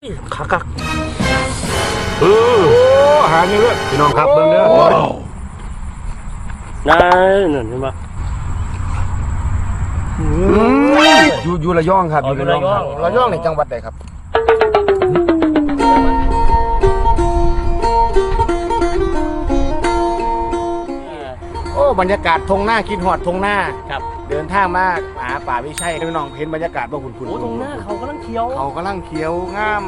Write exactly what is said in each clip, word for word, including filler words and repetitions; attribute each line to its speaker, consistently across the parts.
Speaker 1: คักคัก
Speaker 2: เออหานี่เด้อพี่น้องครับเบิ่งเด้อ
Speaker 1: นั่นนั่นเห็นปะ
Speaker 2: อยู่อยู่ระยองครับอยู่ระยองครับ
Speaker 3: ระยองในจังหวัดใดครับโอ้บรรยากาศทงหน้าคิดหอดทงหน้า
Speaker 1: ครับ
Speaker 3: เดินทางมาหาป่าวิชัยพี่น้องเห็นบรรยากาศบ่คุณคุณ
Speaker 1: โอ้ตรงหน้าเขากำลังเคี้ยว
Speaker 3: เขากำลังเขียวงาม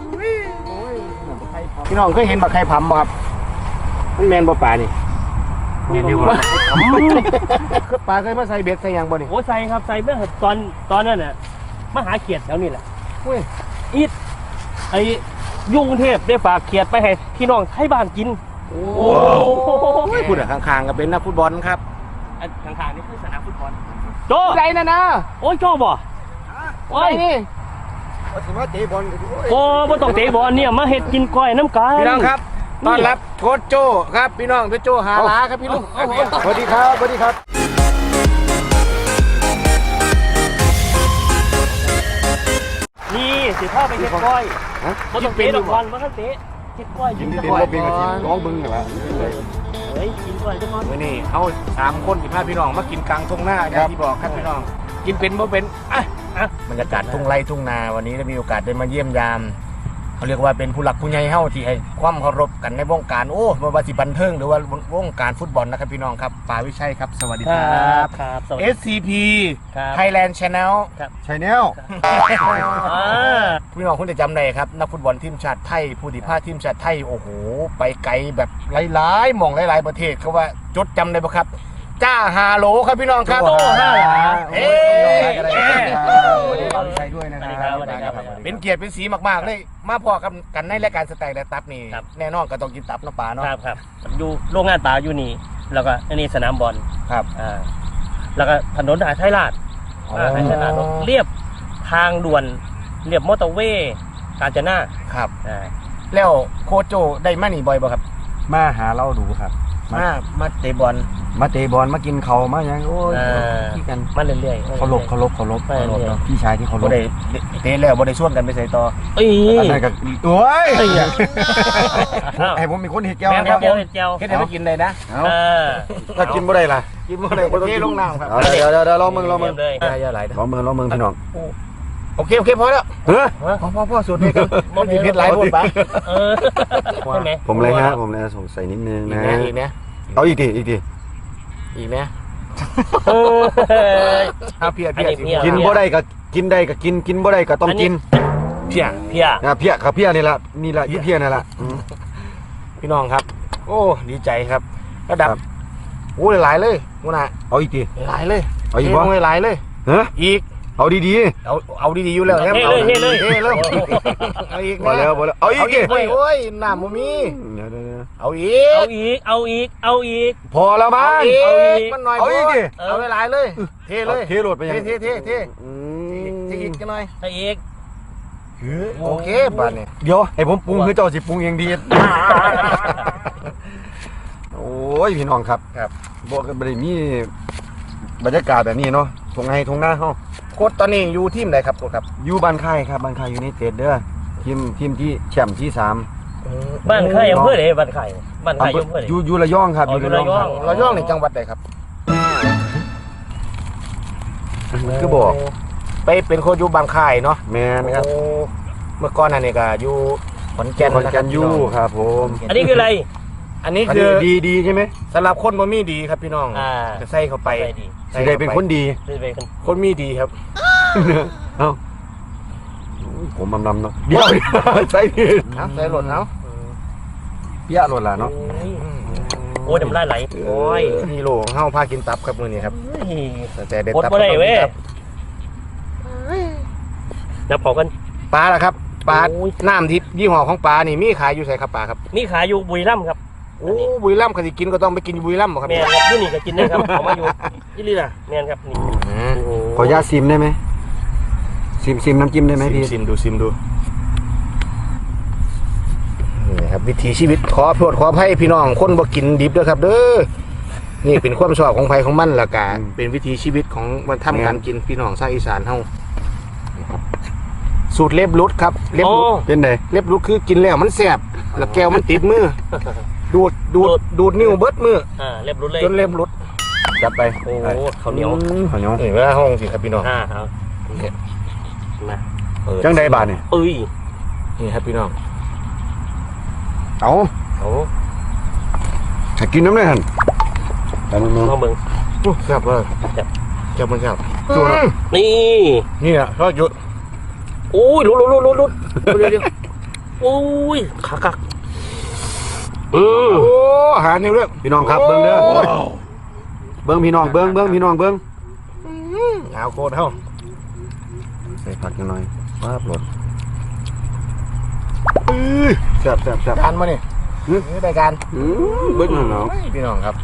Speaker 3: พี่น้องเคยเห็นบักไข่ผำบ่ครับมันแมนบ่ป่านี่
Speaker 1: นี่ดีกว่า
Speaker 3: ป่าเคยมาใส่เบ็ดใส่ยังบ่นี่
Speaker 1: โอ้ใส่ครับใส่เมื่อตอนตอนนั้นน่ะมาหาเขียดแถวนี้แหละอีดไอ้ยุ่งเทพได้ฝากเขียดไปให้พี่น้องให้บ้านกิน
Speaker 3: โอ้พูดอะข้างๆก็เป็นนักฟุตบอลครับ
Speaker 1: ข้างๆนี่คือสนามฟุตบอลโจ
Speaker 3: ไรนะนะ
Speaker 1: โอ้ยโจบ่โอ้ย
Speaker 3: นี่
Speaker 1: โอ้บ่ต้องเตะบอลเนี่ยมาเฮ็ดกินก้อยน้ำกัน
Speaker 3: พี่น้องครับต้อนรับโค้ชโจครับพี่น้องโจหาลาครับพี่ลุง
Speaker 2: สวัสดีครับสวัสดีครับ
Speaker 1: นี่สิพาไปเฮ็ดก้อยบ่ต้องเตะดอกบอลบ่ต้องเตะเฮ็ดก้อยกินก้อย
Speaker 2: เป็นกระถิ่นน้องบึงเหรอ
Speaker 1: เฮ้ยกินก้อยจังมื้
Speaker 3: อนี้เฮาสามคนสิพาพี่น้องมากินกลางทุ่งนาอย่างที่บอกครับพี่น้องกินเป็นบ่เป็นอ่ะบรรยากาศทุ่งไร่ทุ่งนาวันนี้ได้มีโอกาสได้มาเยี่ยมยามเขาเรียกว่าเป็นผู้หลักผู้ใหญ่เฮาที่ให้ความเคารพกันในวงการโอ้ไม่ว่าสิบันเทิงหรือว่าวงการฟุตบอลนะครับพี่น้องครับป่าวิชัยครับสวัสดีครับ
Speaker 1: ครับ
Speaker 3: เอส ซี พี Thailand Channel
Speaker 1: ครับ
Speaker 2: Channel
Speaker 3: พี่น้องคุณจะจำได้ครับนักฟุตบอลทีมชาติไทยผู้ที่พาทีมชาติไทยโอ้โหไปไกลแบบหลายๆหม่องหลายๆประเทศเขาว่าจดจำได้ปะครับจ้าฮาโหลครับพี่น้องครับ
Speaker 1: โตห้าหลา
Speaker 3: เฮ้ย
Speaker 2: ใช้ด้วยนะครับ
Speaker 3: เป็นเกียรติเป็นสีมากๆเลยมาพอกันกันในรายการสแต็กและตับนี่แน่นอนก็ต้องกินตับน้ำปลาเนาะ
Speaker 1: ครับครับอยู่โรงงานปลาอยู่นี่แล้วก็อันนี้สนามบอล
Speaker 3: ครับ
Speaker 1: อ่าแล้วก็ถนนหาไทยราชอ่าไทยราชเรียบทางด่วนเรียบมอเตอร์เวย์กาญจนา
Speaker 3: ครับอ่าแล้วโคชโจได้มานี่บ่อยบ่ครับ
Speaker 2: มาหาเราดูครับ
Speaker 3: มามาเตะบอล
Speaker 2: มาเตะบอลมากินเขามาอย่างโอ้ย
Speaker 1: ที่กันมาเรื่อยๆ
Speaker 2: เคารพเคารพเคารพเคารพพี่ชายที่เคารพ
Speaker 3: บ่ได้เตะแล้วบ่ได้ชวนกันไปใส่ต่อ
Speaker 1: เอ้ย
Speaker 2: อันนั้นก็โอ้ยให้ผมมีคนเห็ดแก้วนะครับผม
Speaker 1: เห็ดแก้ว
Speaker 3: เฮ็ดให้มากินได้นะ
Speaker 2: เออถ้ากินบ่ได้ล่ะ
Speaker 3: กินบ่ได้บ่เทลงน้ำครับ
Speaker 2: เดี๋ยวเดี๋ยวลองมึงลองมึง
Speaker 3: อย่าไหล
Speaker 2: ลองมึงลองมึงพี่น้อง
Speaker 3: โอเคโอเคพอแล้ว
Speaker 2: เฮ้ย
Speaker 3: พอพอพอสุดเลยครับมันสิเผ็ดหลายโพดปะ
Speaker 1: เออใช่มั้ย
Speaker 2: ผมเลยฮะผมเลยสงสัยนิดนึงนะ
Speaker 3: อีกนะ
Speaker 2: เอาอีกดิอีกดิ
Speaker 3: อีกนะเอาเพียเพีย
Speaker 2: กินบ่ได้ก็กินได้ก็กินกินบ่ได้ก็ต้องกิน
Speaker 3: เพีย
Speaker 1: เพีย
Speaker 2: นะเพียครับเพียนี่แหละนี่แหละยี่เพียนี่แหละ
Speaker 3: พี่น้องครับโอ้ดีใจครับระดับโอ้หลายเลยมูน่ะ
Speaker 2: เอาอีกดิ
Speaker 3: หลายเลย
Speaker 2: เอาอีกบ่
Speaker 3: หลายเลย
Speaker 2: เฮ้ย
Speaker 3: อีก
Speaker 2: เอาดี
Speaker 3: ๆเอาเอาดีๆอยู่แล้ว
Speaker 1: ครับเอาเลยเฮ้เลย
Speaker 3: เฮ้เลยเอาอีก
Speaker 2: นะแล้วแล้วเอาอีกดิ
Speaker 3: โอ้ยน้ำบ่มีเอาอีก
Speaker 1: เอาอีกเอาอีกเอาอีก
Speaker 2: พอแล้วมั้ง
Speaker 3: เอาอีกมันหน่อย
Speaker 2: เอาอีกดิ
Speaker 3: เอาหลายเลยเทเลย
Speaker 2: เทโหลดไปยัง
Speaker 3: เทเทเทเทอีกกันหน่อย
Speaker 1: ให้อีก
Speaker 3: โอเคบ้านนี้
Speaker 2: เดี๋ยวให้ผมปรุงคือเจ้าสิปรุงเองดีโอ้ยพี่น้องครับ
Speaker 3: ครับ
Speaker 2: บอกกันบ่ได้มีบรรยากาศแบบนี้เนาะทงไห้ทงหน้าเฮา
Speaker 3: โค้ชตอนนี้อยู่ทีมไหนครับโค้ชครับ
Speaker 2: อยู่บ้านค่ายครับบ้านค่ายยูไนเต็ดเด้อทีมทีมที่แชมป์ที่สาม
Speaker 1: บ้านค่ายอำเภอไหนบ้านค่ายบ้านค่ายอำเภอไหน
Speaker 2: อยู่อยู่ระยองครับ
Speaker 1: อยู่ระยอง
Speaker 3: ระยองในจังหวัดใดครับ
Speaker 2: คือบอก
Speaker 3: ไปเป็นโค้ชอยู่บ้านค่ายเนาะ
Speaker 2: แม่นครับ
Speaker 3: เมื่อก่อนนั่นนี่ก็อยู่ขอนแก่น
Speaker 2: ขอนแก่นอยู่ครับผม
Speaker 1: อันนี้คืออะไร
Speaker 3: อันนี้คือ
Speaker 2: ดีดีใช่ไหม
Speaker 3: สำหรับคนบ่มีดีครับพี่น้องจะใส่เข้าไป
Speaker 2: สิได้เป็นคนดี
Speaker 3: คนมีดีครับ
Speaker 2: เอ้าผมมำนำเนาะเดี๋ยวใส่ผิด
Speaker 3: ใส่หล่นเอา
Speaker 2: เปี้ยหล่นละเนาะ
Speaker 1: โอ้ยน้ำลายไหล
Speaker 3: โอ้ยฮีโร่ของเฮาพากินตับครับมื้อนี้ครับแต่ได้ตับ
Speaker 1: บ่ได้เว้ยแล้วพอกัน
Speaker 3: ปลาล่ะครับปลาน้ำทิพย์ยี่ห้อของปลานี่มีขายอยู่ไสครับปลาครับ
Speaker 1: มีขายอยู่บุรีรัมย์ครับ
Speaker 3: โอ้บุรีรัมย์ก็สิกินก็ต้องไปกินบุรีรัมย์บ่ครับ
Speaker 1: แม่นครับอยู่นี่ก็กินได้ครับเอามาอยู่อีหลีล่ะแม่นครับนี่
Speaker 2: ขออนุญาตซิมได้ไหมซิมซิมน้ำจิ้มได้ไหมพี่
Speaker 3: ซิมดูซิมดูนี่ครับวิถีชีวิตขอโทษขออภัยพี่น้องคนบ่กินดิบด้วยครับเด้อนี่เป็นความชอบของไผของมันล่ะกะเป็นวิถีชีวิตของมันทำการกินพี่น้องชาวอีสานเฮาสูตรเล็บรุดครับเล็บ
Speaker 1: โอ้
Speaker 3: รุด
Speaker 2: เป็นไง
Speaker 3: เล็บรุดคือกินแล้วมันแสบแล้วแก้วมันติดมือดูดดูดดูดนิ้วเบิดมือ
Speaker 1: อ่าเรียบรู้เลย
Speaker 3: จนเล็บรุด
Speaker 2: จัดไป
Speaker 1: โอ้ข้าวเหนียว
Speaker 2: ข้าวเหนียว
Speaker 3: นี่เวลาห้องสิครับพี่น้อง
Speaker 1: อ่าครับมา
Speaker 2: จังใดบาทนี่
Speaker 1: เอ้ย
Speaker 3: นี่ครับพี่น้อง
Speaker 2: เอา
Speaker 3: โอ้
Speaker 2: ถ้ากินน้ำได้หันแต่มึง
Speaker 1: ลองเบิ่ง
Speaker 3: แซ่บเลยแซ่บมันแซ่บ
Speaker 1: นี่
Speaker 3: นี่อ่ะทอดหยุด
Speaker 1: โอ้ยลุดลุดลุดลุดลุดเดี๋ยวเดี๋ยวโอ้ยขากักอืม
Speaker 3: โอ้หานิ้วเรื่อง
Speaker 2: พี่น้องครับเบิ้งเด้อเบิ้งพี่น้องเบิ้งเบิ้งพี่น้องเบิ้ง
Speaker 3: เอาโคตรเท่า
Speaker 2: ใส่ผักหน่อยป้าบรส
Speaker 3: อื้อ
Speaker 2: แซ่บแซ่บแซ่บ
Speaker 3: การมาเนี่ยนี่รายการ
Speaker 2: อืมเบิ้งหน่อย
Speaker 3: พี่น้องครับ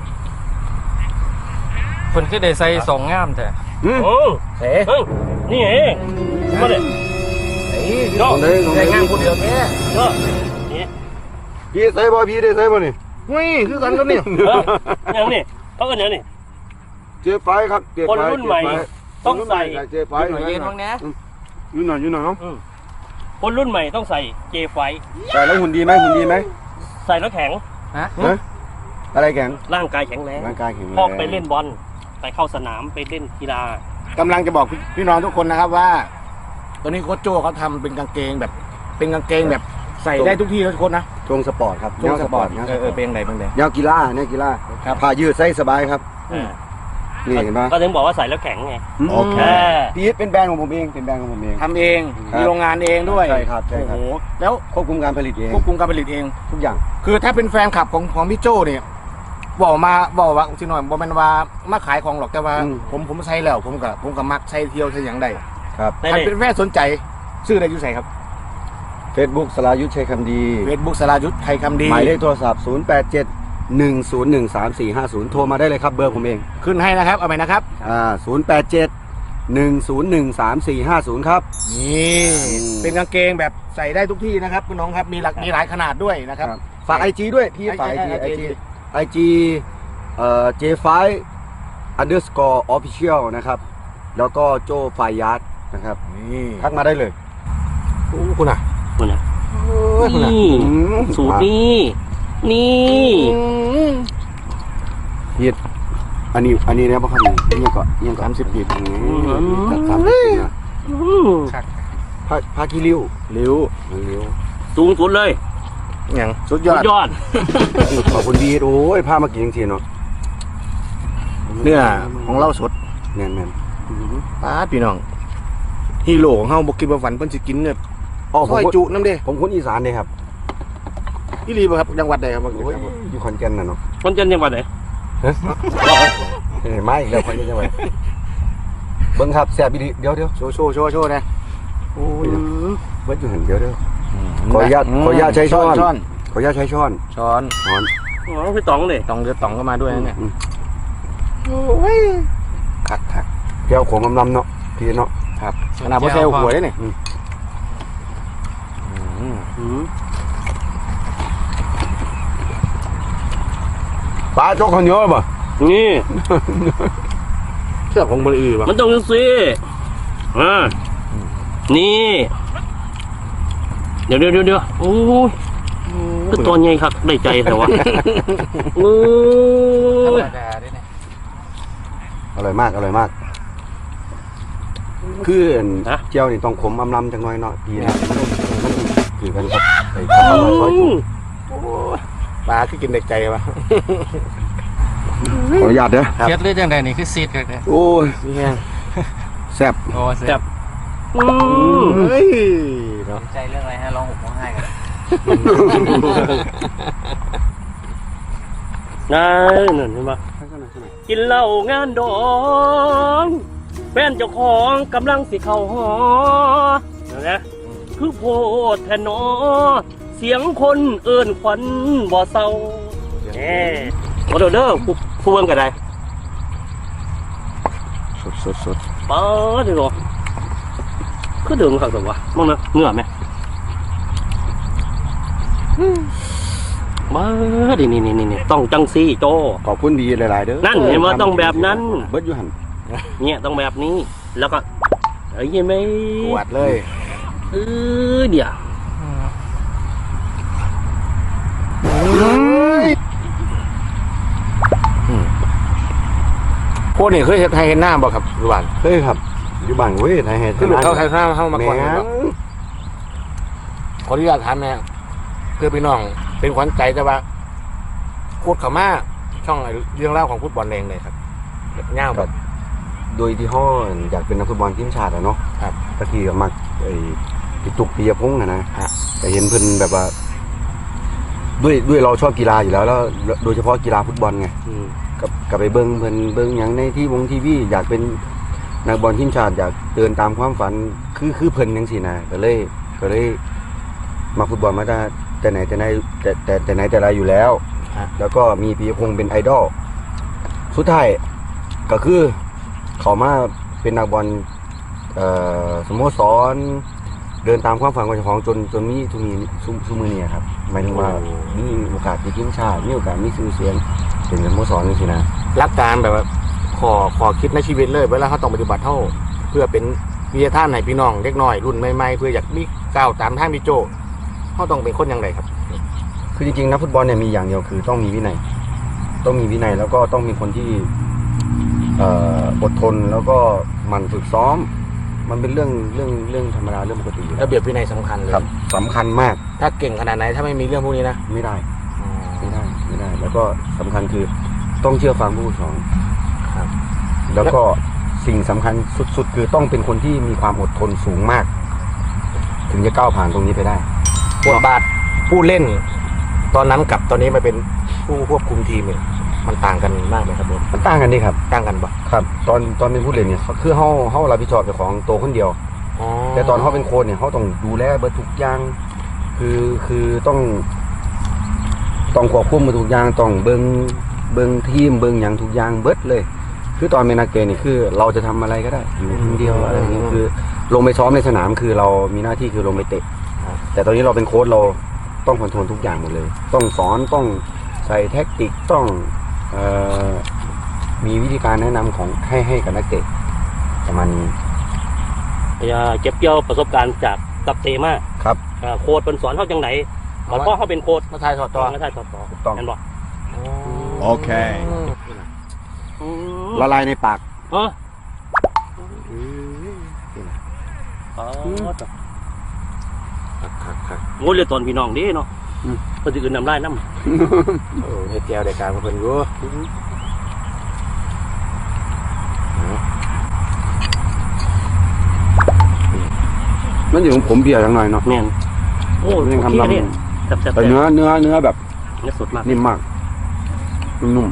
Speaker 4: เพิ่นคือได้ใส่สองงามแต่
Speaker 2: อืม
Speaker 1: โอ้
Speaker 3: เฮ้
Speaker 1: เฮ้ยนี่เองมาเลย
Speaker 3: ย
Speaker 1: ก็
Speaker 2: ตรงไหนตรงไหน
Speaker 3: รายงานคนเดียวแค่
Speaker 1: ก็นี่
Speaker 2: พี่ใส่บ่พี่ได้ใส่บ่นี่
Speaker 3: หุ้ยคือกันกันนี่
Speaker 1: เอออย่างนี้เขาก็อย่างนี้
Speaker 2: เจ๊ไฟครับเจ๊ไฟ
Speaker 1: คนรุ่นใหม่ต้องใส่
Speaker 2: เจ๊ไฟ
Speaker 4: หน่อยเย็นบ้างนะ
Speaker 2: ยืนหน่อยยืนหน่อยเนาะ
Speaker 1: คนรุ่นใหม่ต้องใส่เจไฟ
Speaker 2: ใส่แล้วหุ่นดีไหมหุ่นดีไหม
Speaker 1: ใส่แล้วแข็ง
Speaker 4: ฮะ
Speaker 2: ฮะอะไรแข็ง
Speaker 1: ร่างกายแข็งแรง
Speaker 2: ร่างกายแข็งแรง
Speaker 1: พอไปเล่นบอลไปเข้าสนามไปเล่นกีฬาก
Speaker 3: ำลังจะบอกพี่น้องทุกคนนะครับว่าตอนนี้โค้ชโจเขาทำเป็นกางเกงแบบ เป็นกางเกงแบบใส่ได้ทุกที่ทุกคนนะ
Speaker 2: ทรงสปอร์ตครับ
Speaker 3: ช่วงสปอร์ต
Speaker 2: แนว
Speaker 3: เออเออเป็นยังไงเป็นยังไง
Speaker 2: แนวกีฬาแนวกีฬา
Speaker 3: ครับ
Speaker 2: ผ้ายืดใส่สบายครับ
Speaker 1: อ่า
Speaker 2: นี่เห็นปะ
Speaker 1: ก็ถึงบอกว่าใส่แล้วแข็งไง
Speaker 2: โอเค
Speaker 1: เออ
Speaker 2: พีทเป็นแบรนด์ของผมเองเป็นแบรนด์ของผมเอง
Speaker 3: ทำเอง
Speaker 2: ครับ
Speaker 3: มีโรงงานเองด้วย
Speaker 2: ใช่ครับใช่
Speaker 3: โอ้
Speaker 2: ค
Speaker 3: โห
Speaker 2: รับ
Speaker 3: แล้ว
Speaker 2: ควบคุมการผลิตเอง
Speaker 3: ควบคุมการผลิตเอง
Speaker 2: ทุกอย่าง
Speaker 3: คือถ้าเป็นแฟนคลับของของพี่โจเนี่ยบอกมาบอกว่าสิหน่อยบอกมันว่ามาขายของหรอกแต่ว่า ผมผมใช้แล้วผมกับผมกับมักใช้เที่ยวใช้อย่างใด
Speaker 2: ครับ
Speaker 1: ได้
Speaker 3: ถ้า
Speaker 1: เลย
Speaker 3: เป็นแฟนสนใจซื้อได้อยู่ใส่ครับ
Speaker 2: Facebook สรายุทธชัยคำดี
Speaker 3: เฟซบุ๊กสรายุทธไทยคำดี
Speaker 2: หมายเลขโทรศัพท์ ศูนย์ แปด เจ็ด หนึ่ง ศูนย์ หนึ่ง สาม สี่ ห้า ศูนย์ โทรมาได้เลยครับเบอร์ผมเอง
Speaker 3: ขึ้นให้นะครับเอาไปนะครับ
Speaker 2: อ่า ศูนย์ แปด เจ็ด หนึ่ง ศูนย์ หนึ่ง สาม สี่ ห้า ศูนย์ ครับ
Speaker 3: นี่
Speaker 2: อืม
Speaker 3: เป็นกางเกงแบบใส่ได้ทุกที่นะครับคุณน้องครับมีหลักมีหลายขนาดด้วยนะครับ
Speaker 2: ฝากไอจีด้วยพี่ฝากไอจี
Speaker 3: ไอ
Speaker 2: ไอ
Speaker 3: จี
Speaker 2: จีไอจีเอ่อ เจ ไฟ underscore official นะครับ แล้วก็โจไฟยัดนะครับ
Speaker 3: นี่
Speaker 2: ทักมาได้เลย
Speaker 3: โอ้คุณอ่ะ
Speaker 1: คุณนะ
Speaker 3: โอ้ยคุณอ่ะ
Speaker 1: นี่
Speaker 2: อืม
Speaker 1: สูตรนี้นี่
Speaker 2: ผิดอันนี้อันนี้เนี่ยป่ะครับนี่ยังก็ยังก็สามสิบปีตัดสามสิบปีนะ
Speaker 1: อืม
Speaker 2: ผ้าผ้าขี้ริ้ว
Speaker 3: ริ้ว
Speaker 2: ริ้ว
Speaker 1: สูงสุดเลย
Speaker 3: อย่างสุดย
Speaker 1: สุ
Speaker 3: อ
Speaker 1: ด
Speaker 3: ด
Speaker 1: ยอด
Speaker 2: ขอบคุณบีโอ้ยผ้ามากินจริงๆเนาะ
Speaker 3: เนื้อของเราสด
Speaker 2: แน่นแน่น
Speaker 3: ป้าดพี่น้องฮีโร่ของเฮาบ่คิดว่าฝันเพิ่นสิกินเนี่ย
Speaker 2: อ๋อผ
Speaker 3: ซ
Speaker 2: ม
Speaker 3: อย
Speaker 2: คน
Speaker 3: จุน้ำเด้
Speaker 2: ผมคนอีสานเลยครับ
Speaker 3: อีหลีบ่ครับจังหวัดใดครับ
Speaker 2: โอ้ยอยู่ขอนแก่นน่ะเนาะ
Speaker 1: คนจันทร์จังหวัดไหน
Speaker 2: เฮ้ยเฮ้ยมาอีกแล้วขอนแก่นจังหวัดเบิ้งครับแซ่บอีดีเดี๋ยวเดี๋ยว
Speaker 3: โชว์โชว์โชว์โชว์นะ
Speaker 2: โอ้ยเบิ้งอยู่หันเดี๋ยวเดี๋ยวขออนุญาตขออนุญาตใช้ช้อน
Speaker 3: ช้อน
Speaker 2: ขออนุญาตใช้ช้อน
Speaker 3: ช้อน
Speaker 2: ช้อน
Speaker 1: อ๋อพี่ต๋องเลย
Speaker 3: ตองเดือดตองก็มาด้วยนะเนี่ย
Speaker 2: อืม
Speaker 3: โอ้ยคักคัก
Speaker 2: แก้วขมลำๆเนาะพี่เนาะ
Speaker 3: ครับขนาดพ่อเซลหัวได้เนี่ย
Speaker 2: อืม
Speaker 3: อืม
Speaker 1: อืม
Speaker 2: ปลาโจ๊กข้าวเหนียวป่ะ
Speaker 1: นี่
Speaker 3: เชือกของบริอือป่ะ
Speaker 1: มันต้องจังสิอ่านี่ เดี๋ยวเดี๋ยวเดี๋ยวเดี๋ยวโอ้ยคือตัวใหญ่ครับได้ใจแต่ว่าโอ้ย
Speaker 4: ธรรมดาด้วยเนี่ย
Speaker 2: อร่อยมากอร่อยมากคือเจียวนี่ต้องขมอำลำจังหน่อยเนาะพี่นะคือกันครับไปทำมาซอยจุ๊
Speaker 3: ปลาคือกินเด็กใจป่ะ
Speaker 2: ขออนุญาตเด้อ
Speaker 3: ครับ
Speaker 4: เครียดเรื่องใดนี่คือซีดกันเนี่ย
Speaker 2: โอ้ย
Speaker 3: นี่แห้ง
Speaker 2: แซ่บ
Speaker 4: โอ้เสีย
Speaker 1: จับอืม
Speaker 3: เฮ้ยเนาะ
Speaker 4: ใจเรื่องอะไรฮะร้องห่มร้องไห้กัน
Speaker 1: นั่นนั่นเห็นปะกินเหล้างานดองแฟนเจ้าของกำลังสิเข้าหอเห็นไหมคือโพดแทนนอเสียงคนเอิ้นขวัญบ่เศร้าแหมโอ้เด้อเด้อผู้ผู้เบิ่งก็ได้
Speaker 3: สดสดสด
Speaker 1: ป้าเดี๋ยวคือเดิมครับแต่ว่ามองนะเหงื่อไหมมาดินี่นี่นี่ต้องจังซี่โจ
Speaker 2: ขอบคุณดีหลายๆเด้อ
Speaker 1: นั่นเห็นว่าต้องแบบนั้น
Speaker 2: เบิดอยู่หัน
Speaker 1: เนี่ยต้องแบบนี้แล้วก็ไอ้ยังไม่
Speaker 3: กวดเลย
Speaker 1: อเออเดี๋ยว
Speaker 3: พวกนี้เคยเห็นไทยเห็นหน้าบ่ครับอยู่บ้าน
Speaker 2: เฮ้ยครับอยู่บ้านเว้ยไทยเฮ็ด
Speaker 3: คือลูกเขาไทยหน้าเข้ามา
Speaker 2: แม่
Speaker 3: ก่อนบ่
Speaker 2: ง
Speaker 3: ขออนุญาตถามแม่เพื่อพี่น้องเป็นขวัญใจแต่ว่าโคตรเขามาช่องเรื่องเล่าวของฟุตบอลเองเลยครับแบบเง่าแบบ
Speaker 2: โดยที่ห้ออยากเป็นนักฟุตบอลทีมชาติอะเนาะ
Speaker 3: ครับ
Speaker 2: ตะกี้ก็มักไอ้พี่ตุกปียพงษ์อะนะ
Speaker 3: ฮะ
Speaker 2: แต่เห็นเพิ่นแบบว่า ด้วยด้วยเราชอบกีฬาอยู่แล้วแล้ว โดยเฉพาะกีฬาฟุตบอลไง
Speaker 1: อืม
Speaker 2: กับกับไปเบิ้งเพิ่นเบิ้งหยังในที่วงทีวีอยากเป็นนักบอลทีมชาติอยากเดินตามความฝันคือคือเพิ่นจังซี่นะก็เลยก็เลยมาฟุตบอลมาตั้งแต่ไหนแต่ไหนแต่แต่แต่ไหนแต่ไรอยู่แล้ว แล้วก็มีปียพงษ์เป็นไอดอลสุดท้ายก็คือเขามาเป็นนักบอลเอ่อสโมสรเดินตามความฝันของเจ้าของจนจนมีทุกนี้ซุซุมือนี้ครับหมายถึงว่ามีโอกาสติดทีมชาติมีโอกาสมีชื่อเสียงเป็นสโมสรนี่สินะ
Speaker 3: รักการแบบว่าขอขอคิดในชีวิตเลยเวลาเขาต้องปฏิบัติเท่าเพื่อเป็นวิทยาทานให้พี่น้องเล็กน้อยรุ่นใหม่ๆเพื่ออยากมีก้าวตามทางพี่โจเขาต้องเป็นคนอย่างไรครับ
Speaker 2: คือจริงๆนักฟุตบอลเนี่ยมีอย่างเดียวคือต้องมีวินัย ต้องมีวินัยแล้วก็ต้องมีคนที่เอ่ออดทนแล้วก็หมั่นฝึกซ้อม มันเป็นเรื่องเรื่องเรื่องธรรมดาเรื่องปกติอยู่แล้
Speaker 3: ระ
Speaker 2: ว
Speaker 3: เบียบวินัยสำคัญเลย
Speaker 2: ครับสำคัญมาก
Speaker 3: ถ้าเก่งขนาดไหนถ้าไม่มีเรื่องพวกนี้นะ
Speaker 2: ไม่ได้ไม่ได้ไม่ได้ แล้วก็สำคัญคือต้องเชื่อฟังผู้ปกครอง
Speaker 3: ครับ
Speaker 2: แล้วก็สิ่งสำคัญสุดๆ คือต้องเป็นคนที่มีความอดทนสูงมาก ถึงจะก้าวผ่านตรงนี้ไปได้
Speaker 3: บทบาทผู้เล่น ตอนนั้นกับตอนนี้มาเป็นผู้ควบคุมทีมเนี่ยมันต่างกันมากไหมครับผม
Speaker 2: มันต่างกันดิครับ
Speaker 3: ต่างกันปะ
Speaker 2: ครับ ตอนตอนเป็นผู้เล่นเนี่ยเขาคือเฮาเฮารับผิดชอบเจ้าของตัวคนเดียว
Speaker 3: อ๋อ
Speaker 2: แต่ตอนเขาเป็นโค้ชเนี่ยเขาต้องดูแลเบิดทุกอย่าง คือคือต้อง ต้องควบคุมเบิดทุกอย่างต้องเบิงเบิงทีมเบิงอย่างทุกอย่างเบิดเลย คือตอนเป็นนักเตะนี่คือเราจะทำอะไรก็ได้ อยู่คนเดียวอะไรอย่างเงี้ยคือ ลงไปซ้อมในสนามคือเรามีหน้าที่คือลงไปเตะ แต่ตอนนี้เราเป็นโค้ชเราต้องคอนโทรลทุกอย่างหมดเลย ต้องสอนต้องใส่แท็กติกต้องเอ่อมีวิธีการแนะนำของให้ให้กับนักเตะประมาณนี้
Speaker 1: อย่าเก็บเกี่ยวประสบการณ์จากกับเตมา
Speaker 2: ครับ
Speaker 1: อ่าโค้ดเป็นสอนเขาจังไหนเพราะเขาเป็นโค้ด
Speaker 3: มาทายถอดตัว
Speaker 1: ไม่ใช่ต่อต่อ
Speaker 2: ถูกต้อง
Speaker 1: เห็นบ่
Speaker 2: โอเค
Speaker 1: อืม
Speaker 2: ละลายในปาก
Speaker 1: เอออ๋อต่อ
Speaker 3: ครับครับ
Speaker 1: โง่เรือตนพี่น้องเดิเนาะ
Speaker 2: อืม
Speaker 1: คนอื่นนำได้น้ำ
Speaker 3: เออเฮ็ดแก้วได้การมาเพิ่นอยู่
Speaker 2: มันอยู่ของผมเบียร์จังหน่อยเนาะ
Speaker 1: แม่นโอ้
Speaker 2: เรื่อง
Speaker 1: โอ
Speaker 2: คำ
Speaker 1: เค
Speaker 2: ลำ
Speaker 1: เนี่ยแซ่บๆ
Speaker 2: แต่เนื้อเนื้อเนื้อแบบ
Speaker 1: เนื้อสดมาก
Speaker 2: นิ่มมากนุ่ม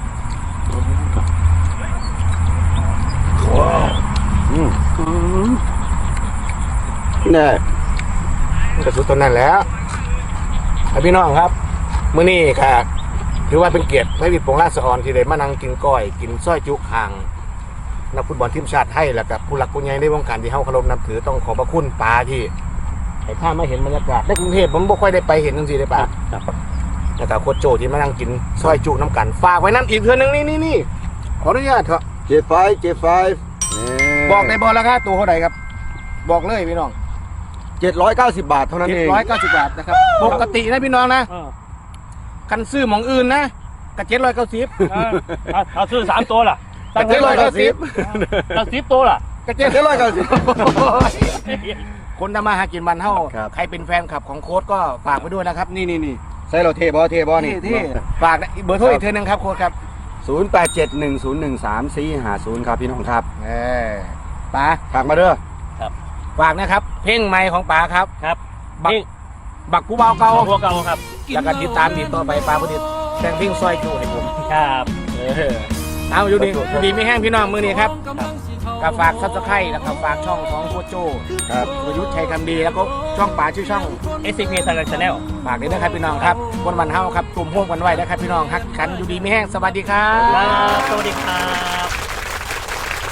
Speaker 2: ๆอืม
Speaker 1: อืม
Speaker 2: แน่
Speaker 3: กระสุดตัวนั้นแหล้วพี่น้องครับมื้อนี้ค่ะถือว่าเป็นเกียรติให้วิทย์ปงราชออนที่ได้มานั่งกินก้อย กินส้อยจุคางนักฟุตบอลทีมชาติไทยแล้วกับผู้หลักผู้ใหญ่ในวงการที่เฮาเคารพนับถือต้องขอบพระคุณป้าที่ให้ข้ามาเห็นบรรยากาศในกรุงเทพผมบ่ค่อยได้ไปเห็นจังซี่ได้
Speaker 1: ค
Speaker 3: ป่ะ
Speaker 1: รับครับ
Speaker 3: แล้วก็โคชโจที่มานั่งกินส้อยจุน้ำกันฝากไว้น้ำอีกเทื่อนึงนี่นี่นี่ขออนุญาตเถอะ
Speaker 2: เจไฟเจไฟ
Speaker 3: บอกได้บ่ราคาตัวเท่าไหร่ครับ บอกเลยพี่น้อง
Speaker 2: เจ็ดร้อยเก้าสิบบาทเท่านั้น
Speaker 3: เจ็ด
Speaker 2: เอง
Speaker 3: ร้อยเก้าสิบบาทนะครับปกตินะพี่น้องนะ
Speaker 1: เออ
Speaker 3: คันซื้อหมองอื่นนะก็เจ็ดร้อยเก้าสิบ
Speaker 1: เออเอาเอาซื้อสามตัวล่ะ
Speaker 3: ก็เจ็ดร้อยเก้าสิบ
Speaker 1: ตั้งสิบตัวล่ะ
Speaker 3: ก็เจ็ดร้อยเก้าสิบคนทำมาหากินบันเท่า
Speaker 2: ครับ
Speaker 3: ใครเป็นแฟนคลับของโค้ดก็ฝากไว้ด้วยนะครับ นี่นี่นี่
Speaker 2: ใส่เราเทบอเทบอนี่
Speaker 3: ที่ฝากเบอร์โทรอีกเทื่อนึงครับโค้ดครับ
Speaker 2: ศูนย์แปดเจ็ดหนึ่งศูนย์หนึ่งสามสี่ห้าศูนย์ครับพี่น้องครับ
Speaker 3: เออป๋า
Speaker 2: ฝากมาเด้อ
Speaker 3: ฝากนะครับ เพลงใหม่ของป๋าครับ
Speaker 1: ครับ
Speaker 3: บัก
Speaker 1: นี่
Speaker 3: บักผู้เบาเก่า
Speaker 1: เอาพวกเก่าครับ
Speaker 3: แล้วก็ติดตามติดต่อไปป๋าพอดีแต่งเพลงซอยจูให้ผม
Speaker 1: ครับ
Speaker 3: เออเอาอยู่ดีอยู่ดีไม่แห้งพี่น้องมือนี้ครับก็ฝากซับสไครต์แล้วก็ฝากช่องของโคชโจ
Speaker 2: ครับ
Speaker 3: ประยุทธ์ชัยคำดีแล้วก็ช่องป๋าชื่อช่อง
Speaker 1: เอสซีพีซันชาแนล
Speaker 3: ฝากด้วยนะครับพี่น้องครับวันวันเฮาครับกลุ่มห่วมกันไว้นะครับพี่น้องฮักกันอยู่ดีไม่แห้งสวัสดีครับ
Speaker 1: สวัสดีครับ